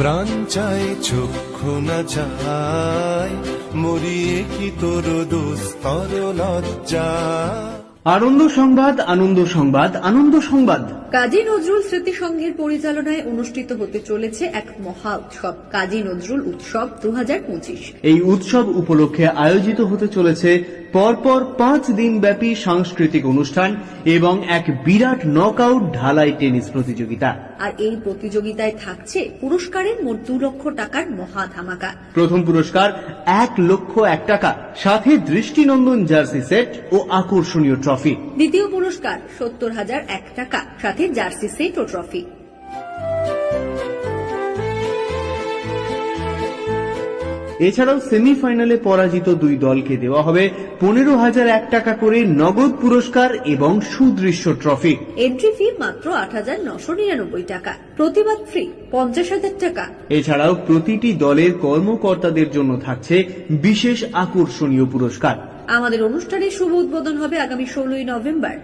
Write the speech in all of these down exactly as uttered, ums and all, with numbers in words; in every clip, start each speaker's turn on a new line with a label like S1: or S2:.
S1: প্রাণ চাই চক্ষু না চাই মরিয়ে কি তোর দুস্তর লজ্জা।
S2: আনন্দ সংবাদ, আনন্দ সংবাদ, আনন্দ সংবাদ।
S3: কাজী নজরুল স্মৃতি সংঘের পরিচালনায় অনুষ্ঠিত হতে চলেছে এক মহা উৎসব, কাজী নজরুল উৎসব দু হাজার পঁচিশ।
S2: এই উৎসব উপলক্ষে আয়োজিত হতে চলেছে পরপর পাঁচ দিন ব্যাপী সাংস্কৃতিক অনুষ্ঠান এবং এক বিরাট নকআউট ঢালাই টেনিস প্রতিযোগিতা।
S3: আর এই প্রতিযোগিতায় থাকছে পুরস্কারের মোট দু লক্ষ টাকার মহা ধামাকা।
S2: প্রথম পুরস্কার এক লক্ষ এক টাকা, সাথে দৃষ্টিনন্দন জার্সি সেট ও আকর্ষণীয় ট্রফি।
S3: দ্বিতীয় পুরস্কার সত্তর হাজার এক টাকা, সাথে জার্সি সেট ও ট্রফি।
S2: এছাড়াও সেমিফাইনালে পরাজিত দুই দলকে দেওয়া হবে পনেরো হাজার এক টাকা করে নগদ পুরস্কার এবং সুদৃশ্য ট্রফি।
S3: এন্ট্রি ফি মাত্র আট হাজার নশো নিরানব্বই টাকা, প্রতিবাদ ফ্রি পঞ্চাশ হাজার টাকা।
S2: এছাড়াও প্রতিটি দলের কর্মকর্তাদের জন্য থাকছে বিশেষ আকর্ষণীয় পুরস্কার।
S3: আমাদের অনুষ্ঠানের শুভ উদ্বোধন হবে আগামী ষোলোই নভেম্বর।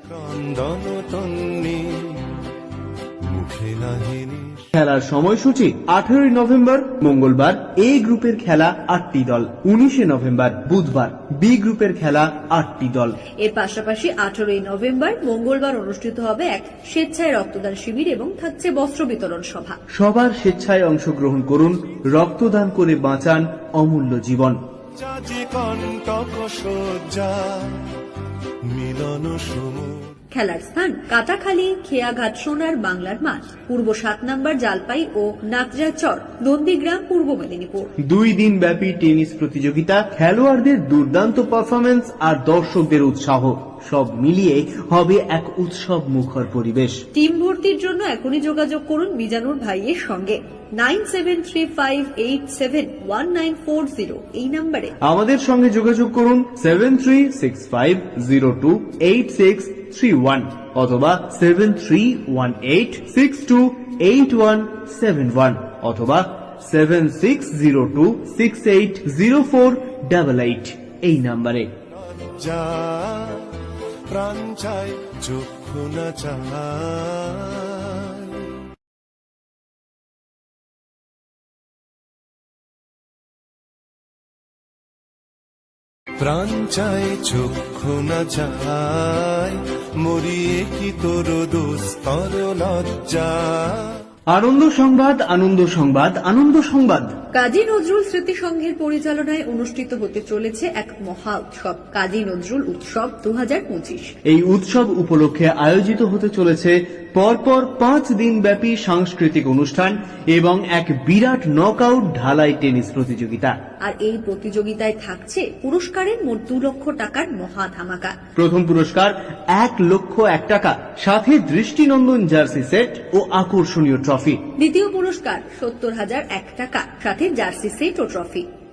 S2: খেলার সময়সূচি আঠারোই নভেম্বর মঙ্গলবার এ গ্রুপের খেলা আটটি দল, উনিশে নভেম্বর বুধবার বি গ্রুপের খেলা আটটি দল।
S3: এর পাশাপাশি আঠারোই নভেম্বর মঙ্গলবার অনুষ্ঠিত হবে এক স্বেচ্ছায় রক্তদান শিবির এবং থাকছে বস্ত্র বিতরণ সভা।
S2: সবার স্বেচ্ছায় অংশগ্রহণ করুন, রক্তদান করে বাঁচান অমূল্য জীবন।
S1: মিলন সমুদ্র
S3: খেলার স্থান কাটাখালী, খেয়াঘাট, সোনার বাংলার মাঠ, পূর্ব সাত নম্বর জালপাই ও নাকজাচর, নন্দীগ্রাম, পূর্ব মেদিনীপুর।
S2: দুই দিন ব্যাপী টেনিস প্রতিযোগিতা, খেলোয়াড়দের দুর্দান্ত পারফরমেন্স আর দর্শকদের উৎসাহ সব মিলিয়ে হবে এক উৎসব মুখর পরিবেশ।
S3: টিম ভর্তির জন্য এখনই যোগাযোগ করুন মিজানুর ভাইয়ের সঙ্গে nine seven three five eight seven one nine four zero এই নম্বরে।
S2: আমাদের সঙ্গে যোগাযোগ করুন seven three six five zero two eight six three one অথবা seven three one eight six two eight one seven one অথবা seven six zero two six eight zero four double eight এই নম্বরে।
S1: প্রাণ চাই চক্ষু না চাই। প্রাণ চাই চক্ষু না চাই মরিয়ে কি তোর দুস্তর লজ্জা।
S2: আনন্দ সংবাদ, আনন্দ সংবাদ, আনন্দ সংবাদ।
S3: কাজী নজরুল স্মৃতি সংঘের পরিচালনায় অনুষ্ঠিত হতে চলেছে এক মহা উৎসব, কাজী নজরুল উৎসব দু হাজার পঁচিশ।
S2: এই উৎসব উপলক্ষে আয়োজিত হতে চলেছে পরপর পাঁচ দিন ব্যাপী সাংস্কৃতিক অনুষ্ঠান এবং এক বিরাট নকআউট ঢালাই টেনিস প্রতিযোগিতা।
S3: আর এই প্রতিযোগিতায় থাকছে পুরস্কারের মোট দু লক্ষ টাকার মহা ধামাকা।
S2: প্রথম পুরস্কার এক লক্ষ এক টাকা, সাথে দৃষ্টিনন্দন জার্সি সেট ও আকর্ষণীয় ট্রফি।
S3: দ্বিতীয় পুরস্কার সত্তর হাজার এক টাকা, সাথে জার্সি সেট ও ট্রফি।